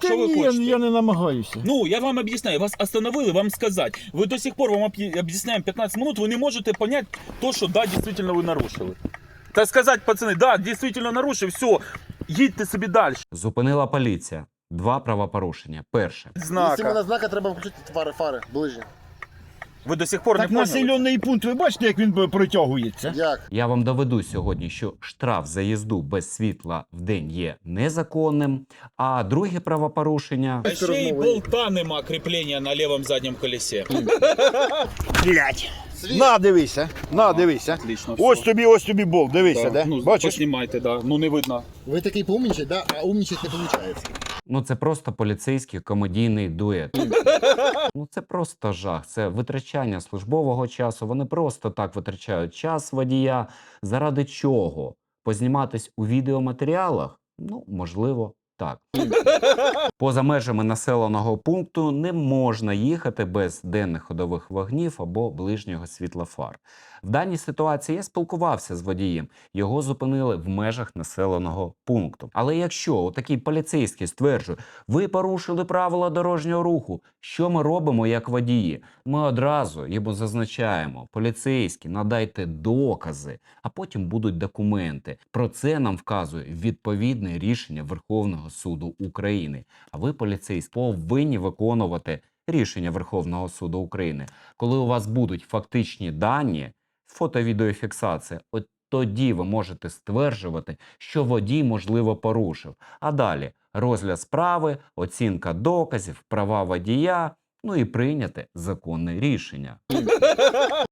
Що ви ні, хочете? я не намагаюся. Ну, я вам объясняю, вас остановили, вам сказать. Вы до сих пор вам объясняем 15 минут, вы не можете понять то, что да, действительно вы нарушили. Так сказать, пацаны, да, действительно нарушив, все, їдьте собі далі. Зупинила поліція. 2 правопорушення. Перше. Якщо на знака, треба включити фари ближче. Ви до сих пор Так не поняли? населений пункт, ви бачите, як він протягується? Як? Я вам доведу сьогодні, що штраф за їзду без світла в день є незаконним, а друге правопорушення... А ще й болта нема кріплення на лівому задньому колесі. Блять. На, дивися, дивися. Отлично, Ось все. тобі болт, дивися, да? Ну, Бачиш? поснімайте, да. Ну не видно. Ви такий поумнічать, да? А умнічать не виходить. Ну, це просто поліцейський комедійний дует. Ну, це просто жах. Це витрачання службового часу. Вони просто так витрачають час водія. Заради чого? Позніматись у відеоматеріалах? Ну, можливо, так. Поза межами населеного пункту не можна їхати без денних ходових вогнів або ближнього світла фар. В даній ситуації я спілкувався з водієм. Його зупинили в межах населеного пункту. Але якщо такий поліцейський стверджує, ви порушили правила дорожнього руху, що ми робимо як водії? Ми одразу йому зазначаємо, поліцейські, надайте докази, а потім будуть документи. Про це нам вказує відповідне рішення Верховного суду України. А ви, поліцейські, повинні виконувати рішення Верховного суду України. Коли у вас будуть фактичні дані, фото-відеофіксація, от тоді ви можете стверджувати, що водій, можливо, порушив. А далі розгляд справи, оцінка доказів, права водія, ну і прийняти законне рішення.